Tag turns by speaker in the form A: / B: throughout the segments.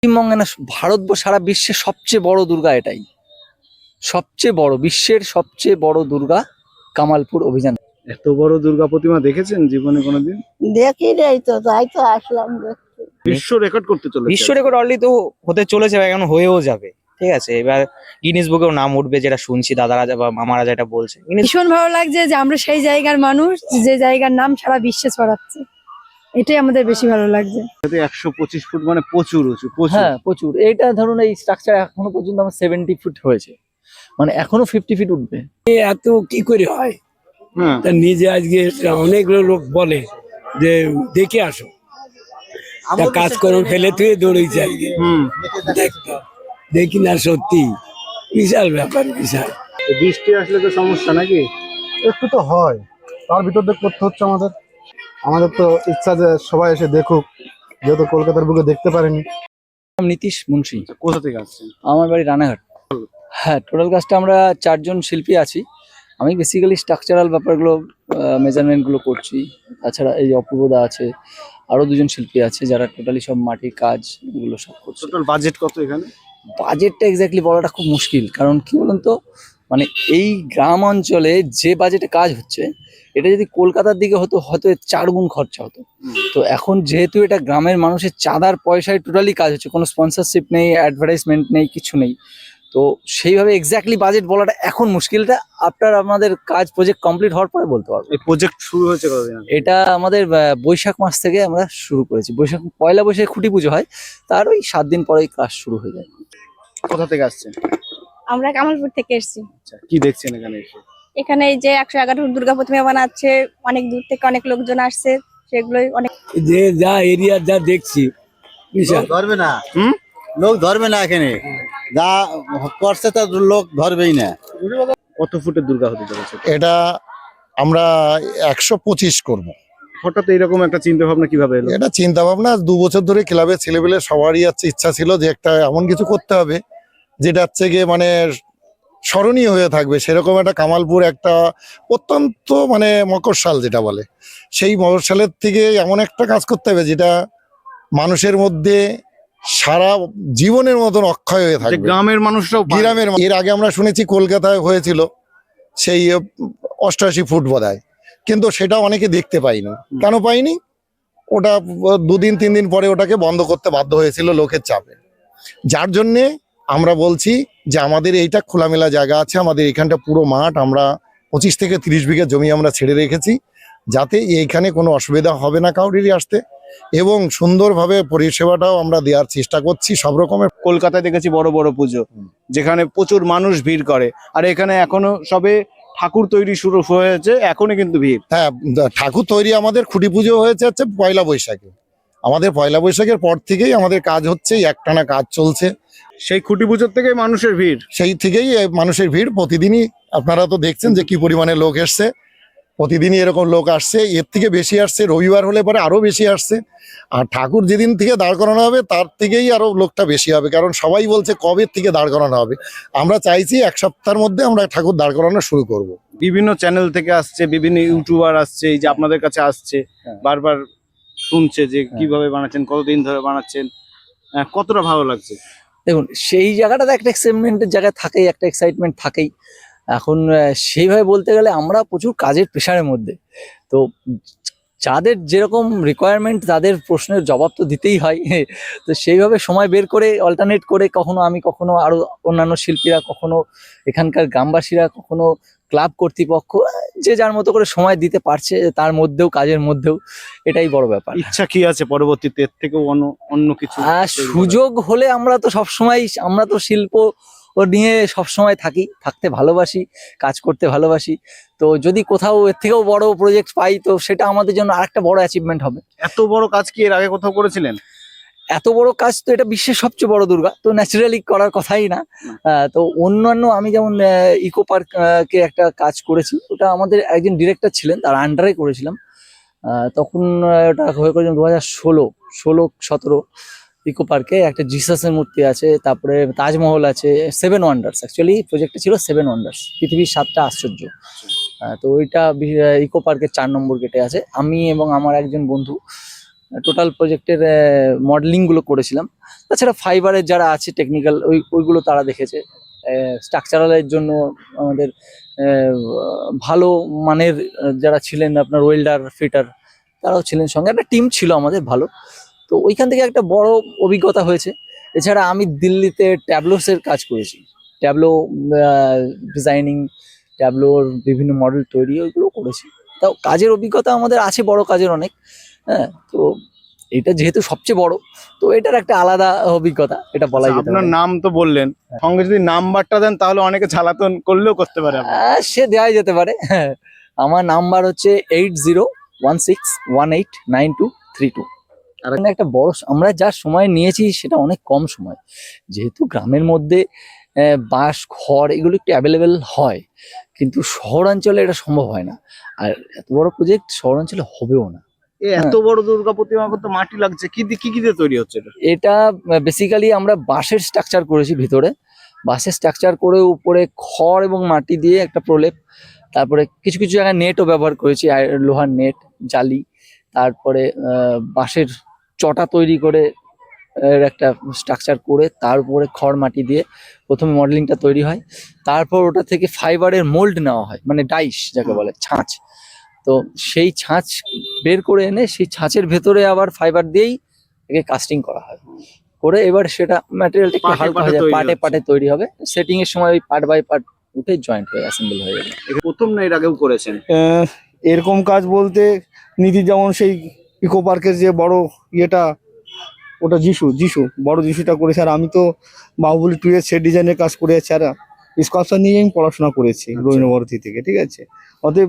A: পশ্চিমবঙ্গে না, ভারতবর্ষ সারা বিশ্বের সবচেয়ে বড় দুর্গা এটাই। সবচেয়ে বড়, বিশ্বের সবচেয়ে বড় দুর্গা কামালপুর অভিযান।
B: এত বড় দুর্গা প্রতিমা দেখেছেন জীবনে কোনোদিন?
C: দেখি নাই তো, তাই তো আসলাম দেখতে।
B: বিশ্ব রেকর্ড করতে চলেছে।
D: বিশ্ব রেকর্ড অলরেডি তো হতে চলেছে বা এখন হয়েও যাবে। ঠিক আছে, এবার গিনিস বুকেও নাম উঠবে, যেটা শুনছি দাদারা বা মামারা যেটা বলছে।
E: ভীষণ ভালো লাগছে যে আমরা সেই জায়গার মানুষ, যে জায়গার নাম সারা বিশ্বে ছড়াচ্ছে, এটাই আমাদের বেশি ভালো লাগছে।
B: 125 ফুট মানে প্রচুর উঁচু, প্রচুর।
A: হ্যাঁ, প্রচুর। এইটা ধরুন, এই স্ট্রাকচার এখনো পর্যন্ত আমার 70 ফুট হয়েছে, মানে এখনো 50 ফিট উঠবে।
F: এত কি করে হয়?
B: হ্যাঁ,
F: তা নিজে আজকে অনেকগুলো লোক বলে যে দেখে আসো, তা কাজকর্ম ফেলে তুই দৌড়েছে আজকে দেখতে। দেখি না, সত্যি বিশাল ব্যাপার, বিশাল।
B: বৃষ্টি আসলে তো সমস্যা নাকি?
G: একটু তো হয়, তার ভিতর দিয়ে করতে হচ্ছে আমাদের। আমাদের তো ইচ্ছা যে সবাই এসে দেখুক, যেহেতু কলকাতার বুকে দেখতে পারেনি।
A: নাম নীতিশ মুন্সি,
B: কোথা থেকে আসছেন?
A: আমার বাড়ি রানাঘাট। হ্যাঁ, টোটাল কাজটা আমরা 4 জন শিল্পী আছি। আমি বেসিক্যালি স্ট্রাকচারাল ব্যাপারগুলো, মেজারমেন্টগুলো করছি। তাছাড়া এই অপূর্বদা আছে, আরো 2 জন শিল্পী আছে যারা টোটালি সব মাটির কাজ এগুলো সব করছে।
B: টোটাল বাজেট কত এখানে?
A: বাজেটটা এক্স্যাক্টলি বলাটা খুব মুশকিল, কারণ কি বলুন তো, মানে এই গ্রাম অঞ্চলে যে বাজেটে কাজ হচ্ছে, এটা যদি কলকাতার দিকে হতো হয়তো 4 গুণ খরচা হতো। তো এখন যেহেতু এটা গ্রামের মানুষের চাঁদার পয়সায় টোটালি কাজ হচ্ছে, কোনো স্পন্সরশিপ নেই, অ্যাডভার্টাইজমেন্ট নেই, কিছু নেই। তো সেইভাবে এক্স্যাক্টলি বাজেট বলাটা এখন মুশকিলটা আফটার আমাদের কাজ প্রজেক্ট কমপ্লিট হওয়ার পরে বলতে পারবো।
B: এই প্রজেক্ট শুরু হয়েছে কতদিন আগে?
A: এটা আমাদের বৈশাখ মাস থেকে আমরা শুরু করেছি। পয়লা বৈশাখে খুঁটি পুজো হয়, তার ওই 7 দিন পরেই কাজ শুরু হয়ে যায়।
B: কোথা থেকে আসছেন?
H: আমরা কামালপুর থেকে এসেছি।
B: আচ্ছা, কি দেখছেন এখানে এসে?
H: এখানে এই যে 111 দুর্গা প্রতিমা বানাচ্ছে, অনেক দূর থেকে অনেক লোকজন আসছে, সেগুলোই অনেক।
F: যে যা এরিয়া যা দেখছি, বিশাল।
I: ধরবে না,
B: হুম?
I: লোক ধরবে না এখানে, যা করছে তা লোক ধরবেই না।
B: কত ফুটের দুর্গা হতে চলেছে?
G: এটা আমরা 125 করব।
B: হঠাৎ এইরকম একটা চিন্তা ভাবনা কিভাবে এলো?
G: এটা চিন্তা ভাবনা 2 বছর ধরে ক্লাবের ছেলেপেলে সবারই ইচ্ছা ছিল যে একটা এমন কিছু করতে হবে যেটা হচ্ছে গিয়ে মানে স্মরণীয় হয়ে থাকবে। সেরকম একটা কামালপুর একটা অত্যন্ত মানে মকরশাল যেটা বলে, সেই মকরশালের থেকে এমন একটা কাজ করতে হবে যেটা মানুষের মধ্যে সারা জীবনের মতন অক্ষয় হয়ে
B: যে
G: থাকবে।
B: গ্রামের মানুষরাও
G: এর আগে আমরা শুনেছি কলকাতায় হয়েছিল সেই 88 ফুট বোধহয়, কিন্তু সেটা অনেকে দেখতে পাইনি। কেন পাইনি? ওটা 2 দিন 3 দিন পরে ওটাকে বন্ধ করতে বাধ্য হয়েছিল লোকের চাপে। যার জন্যে আমরা বলছি যে আমাদের এইটা খোলামেলা জায়গা আছে, আমাদের এখানটা পুরো মাঠ, আমরা 25 থেকে 30 বিঘা জমি আমরা ছেড়ে রেখেছি, যাতে এইখানে কোনো অসুবিধা হবে না কাউরিরই আসতে, এবং সুন্দরভাবে পরিষেবাটাও আমরা দেওয়ার চেষ্টা করছি সব রকমের।
B: কলকাতায় দেখেছি বড় বড় পুজো, যেখানে প্রচুর মানুষ ভিড় করে, আর এখানে এখনো সবে ঠাকুর তৈরি শুরু হয়েছে, এখনই কিন্তু ভিড়।
G: হ্যাঁ, ঠাকুর তৈরি আমাদের খুঁটি পুজো হয়েছে হচ্ছে পয়লা বৈশাখে। আমাদের পয়লা বৈশাখের পর থেকেই আমাদের কাজ হচ্ছে, একটানা কাজ চলছে।
B: সেই খুঁটি পুজোর থেকেই মানুষের ভিড়।
G: সেই থেকেই মানুষের ভিড় প্রতিদিনই। আপনারা তো দেখছেন যে কি পরিমাণে লোক এসছে, প্রতিদিনই এরকম লোক আসছে, এর থেকে বেশি আসছে, রবিবার হলে পরে আরো বেশি আসছে। আর ঠাকুর যেদিন থেকে দাঁড় করানো হবে তার থেকেই আরো লোকটা বেশি হবে, কারণ সবাই বলছে কবে থেকে দাঁড় করানো হবে। আমরা চাইছি 1 সপ্তাহের মধ্যে আমরা ঠাকুর দাঁড় করানো শুরু করব।
B: বিভিন্ন চ্যানেল থেকে আসছে, বিভিন্ন ইউটিউবার আসছে, এই যে আপনাদের কাছে আসছে, বারবার শুনছে যে কিভাবে বানাচ্ছেন, কতদিন ধরে বানাচ্ছেন, কতটা ভালো লাগছে?
A: দেখুন, সেই জায়গাটাতে একটা এক্সাইটমেন্টের জায়গা থাকেই, একটা এক্সাইটমেন্ট থাকেই। এখন সেইভাবে বলতে গেলে আমরা প্রচুর কাজের প্রেশারের মধ্যে, তো যাদের যেরকম রিকোয়ারমেন্ট তাদের প্রশ্নের জবাব তো দিতেই হয়। তো সেইভাবে সময় বের করে অল্টারনেট করে, কখনো আমি, কখনো আরো অন্যান্য শিল্পীরা, কখনো এখানকার গ্রামবাসীরা, কখনো ক্লাব কর্তৃপক্ষ, যে যার মতো করে সময় দিতে পারছে, তার মধ্যেও কাজের মধ্যেও, এটাই বড় ব্যাপার।
B: ইচ্ছা কি আছে পরবর্তীতে এর থেকেও অন্য কিছু?
A: সুযোগ হলে আমরা তো সবসময়, আমরা তো শিল্প নিয়ে সবসময় থাকতে ভালোবাসি, কাজ করতে ভালোবাসি। তো যদি কোথাও এর থেকেও বড় প্রজেক্ট পাই, তো সেটা আমাদের জন্য আরেকটা বড় অ্যাচিভমেন্ট হবে।
B: এত বড় কাজ কি এর আগে কোথাও করেছিলেন?
A: এত বড় কাজ তো এটা বিশ্বের সবচেয়ে বড় দুর্গা, তো ন্যাচারালি করার কথাই না। তো অন্যান্য আমি যেমন ইকো পার্ক কে একটা কাজ করেছি, ওটা আমাদের একজন ডিরেক্টর ছিলেন, তার আন্ডারে করেছিলাম। তখন ওটা হয়ে করেছিলাম 2016-17 ইকো পার্কে। একটা জিসাসের মূর্তি আছে, তারপরে তাজমহল আছে, 7 ওয়ান্ডার্স। অ্যাকচুয়ালি প্রজেক্টটা ছিল 7 ওয়ান্ডার্স, পৃথিবীর 7টা আশ্চর্য। তো ওইটা ইকো পার্কের 4 নম্বর গেটে আছে। আমি এবং আমার একজন বন্ধু টোটাল প্রজেক্টের মডেলিং গুলো করেছিলাম। তাছাড়া ফাইবারের যারা আছে টেকনিক্যাল ওইগুলো তারা দেখেছে। স্ট্রাকচারালের জন্য আমাদের ভালো মানের যারা ছিলেন আপনার ওয়েল্ডার ফিটার তারাও ছিলেন, সঙ্গে একটা টিম ছিল আমাদের ভালো। তো ওইখান থেকে একটা বড় অভিজ্ঞতা হয়েছে। এছাড়া আমি দিল্লিতে ট্যাবলোসের কাজ করেছি, ট্যাবলো ডিজাইনিং, ট্যাবলোর বিভিন্ন মডেল তৈরি ওইগুলো করেছি। তাও কাজের অভিজ্ঞতা আমাদের আছে, বড় কাজের অনেক। হ্যাঁ, তো এটা যেহেতু সবচেয়ে বড়, তো এটার একটা আলাদা অভিজ্ঞতা, এটা বলাই যেতে
B: আপনার
A: পারে।
B: নাম তো বললেন, সঙ্গে যদি নাম্বারটা দেন তাহলে অনেকে জ্বালাতন করলেও করতে পারে আপনাকে।
A: সে দেওয়াই যেতে পারে। হ্যাঁ, আমার নাম্বার হচ্ছে 8016189232। আর একটা বড় আমরা যা সময় নিয়েছি সেটা অনেক কম সময়, যেহেতু গ্রামের মধ্যে বাঁশ ঘর এগুলো একটু অ্যাভেলেবেল হয়, কিন্তু শহরাঞ্চলে এটা সম্ভব হয় না। আর এত বড় প্রজেক্ট শহরাঞ্চলে হবেও না।
B: এত বড় দুর্গা প্রতিমা করতে মাটি লাগছে, কি দিয়ে তৈরি হচ্ছে এটা?
A: এটা বেসিক্যালি আমরা বাঁশের স্ট্রাকচার করেছি, ভিতরে বাঁশের স্ট্রাকচার করে উপরে খড় এবং মাটি দিয়ে একটা প্রলেপ, তারপরে কিছু কিছু জায়গায় নেটও ব্যবহার করেছি, লোহার নেট, জালি, তারপরে বাঁশের চটা তৈরি করে এর একটা স্ট্রাকচার করে তার উপরে খড় মাটি দিয়ে প্রথমে মডেলিংটা তৈরি হয়। তারপর ওটা থেকে ফাইবারের মোল্ড নেওয়া হয়, মানে ডাইস যাকে বলে, ছাঁচ। তো সেই ছাঁচ বের করে এনে সেই ছাঁচের ভেতরে আবার ফাইবার দিয়েই একে কাস্টিং করা হয়, করে এবার সেটা ম্যাটেরিয়ালটা একটু
B: পার্টে
A: হালকা
B: পার্টে
A: হয়ে যায়,
B: তৈরি
A: পার্টে
B: হচ্ছে।
A: পার্টে তৈরি হবে। সেটিং এর সময় ওই পার্ট বাই পার্ট উঠে জয়েন্ট হয়ে অ্যাসেম্বল হয়ে যাবে।
B: এটা প্রথম না এর আগেও করেছেন?
J: এরকম কাজ বলতে নিধি যেমন সেই ইকো পার্কের যে বড় ইয়েটা, ওটা যিশু বড় যিশুটা করেছে। আর আমি তো বাহুবলী 2 এর সেট ডিজাইনের কাজ করে আছি, আর স্কাল্পচার নিয়ে আমি পড়াশোনা করেছি রবীন্দ্রভারতী থেকে, ঠিক আছে। অতএব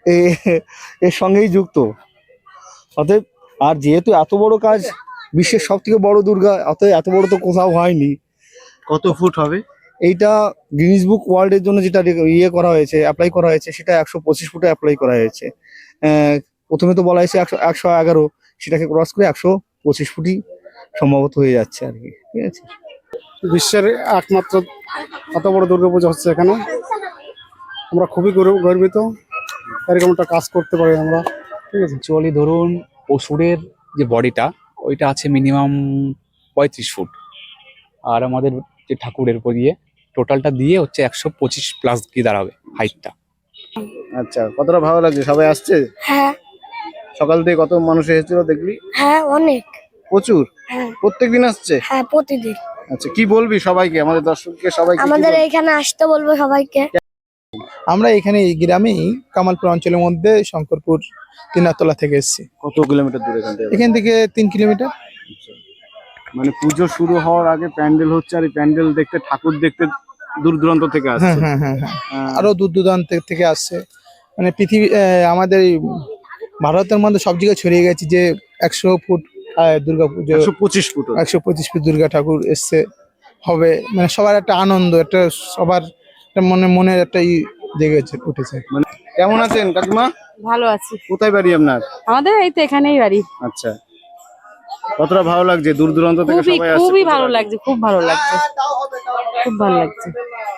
J: এর সঙ্গেই যুক্ত। অতএব আর যেহেতু এত বড় কাজ, বিশ্বের সব থেকে বড় দুর্গা, অতএব এত বড় তো কোথাও হয়নি।
B: কত ফুট হবে?
J: এইটা গিনিস বুক ওয়ার্ল্ডের জন্য যেটা ইয়ে করা হয়েছে, অ্যাপ্লাই করা হয়েছে, সেটা 125 ফুটে অ্যাপ্লাই করা হয়েছে। প্রথমে তো বলা হয়েছে 111, সেটাকে ক্রস করে 125 ফুটই সম্ভবত হয়ে যাচ্ছে আর কি, ঠিক আছে।
K: বিশ্বের একমাত্র এত বড় দুর্গাপূজা হচ্ছে এখানে, আমরা খুবই গর্বিত এরকম একটা কাজ করতে পারি আমরা, ঠিক আছে।
L: অ্যাকচুয়ালি ধরুন অসুরের যে বডিটা ওইটা আছে মিনিমাম 35 ফুট, আর আমাদের যে ঠাকুরের উপর দিয়ে টোটালটা দিয়ে হচ্ছে 125+ কি দাঁড়াবে হাইটটা।
B: আচ্ছা, কতটা ভালো লাগছে? সবাই আসছে?
E: হ্যাঁ
B: সকাল থেকে কত মানুষ এসেছিল দেখলি?
E: হ্যাঁ অনেক।
B: প্রচুর?
E: হ্যাঁ
B: প্রত্যেকদিন আসছে?
E: হ্যাঁ প্রতিদিন।
B: আচ্ছা, কি বলবি সবাইকে, আমাদের দর্শককে সবাইকে?
E: এখানে আসতে বলবো সবাইকে।
J: আমরা এখানে এই গ্রামেই কামালপুর অঞ্চলের মধ্যে শঙ্করপুর তিনাতলা থেকে এসেছি।
B: কত কিলোমিটার দূরে এখান থেকে?
J: এখান থেকে 3 কিলোমিটার।
B: মানে পুজো শুরু হওয়ার আগে প্যান্ডেল হচ্ছে, আর এই প্যান্ডেল দেখতে, ঠাকুর দেখতে দূর দূরান্ত থেকে আসছে।
J: হ্যাঁ আরো দূর দূরান্ত থেকে আসছে। মানে পৃথিবী আমাদের এই ভারতের মধ্যে সব জায়গায় ছড়িয়ে গেছে যে 100 ফুট দুর্গা পুজো,
B: 125 ফুট।
J: 125 ফুট দুর্গা ঠাকুর এসছে হবে। মানে সবার একটা আনন্দ, একটা সবার একটা মনের একটা জেগে উঠেছে।
B: কেমন আছেন কাকিমা?
H: ভালো আছি।
B: কোথায় বাড়ি আপনার?
H: আমাদের এই তো এখানেই বাড়ি।
B: আচ্ছা, কতটা ভালো লাগছে দূর দূরান্ত থেকে সবাই আসছে?
H: খুবই ভালো লাগছে, খুব ভালো লাগছে, খুব ভালো লাগছে।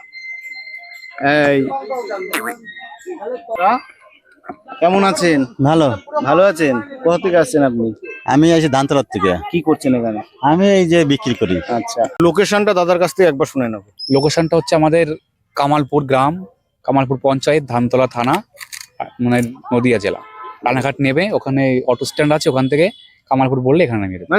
B: এই কেমন আছেন?
I: ভালো।
B: ভালো আছেন? কোথা থেকে আসছেন আপনি?
I: আমি আছি ধানতলার থেকে।
B: কি করছেন এখানে?
I: আমি এই যে বিক্রি করি।
B: আচ্ছা, লোকেশনটা দাদার কাছ থেকে একবার শুনে নেব।
L: লোকেশনটা হচ্ছে আমাদের কামালপুর গ্রাম, কামালপুর পঞ্চায়েত, ধানতলা থানা, মানে নদিয়া জেলা। রানাঘাট নেবে, ওখানে অটো স্ট্যান্ড আছে, ওখান থেকে কামালপুর বললে এখানে নামিয়ে দেবে।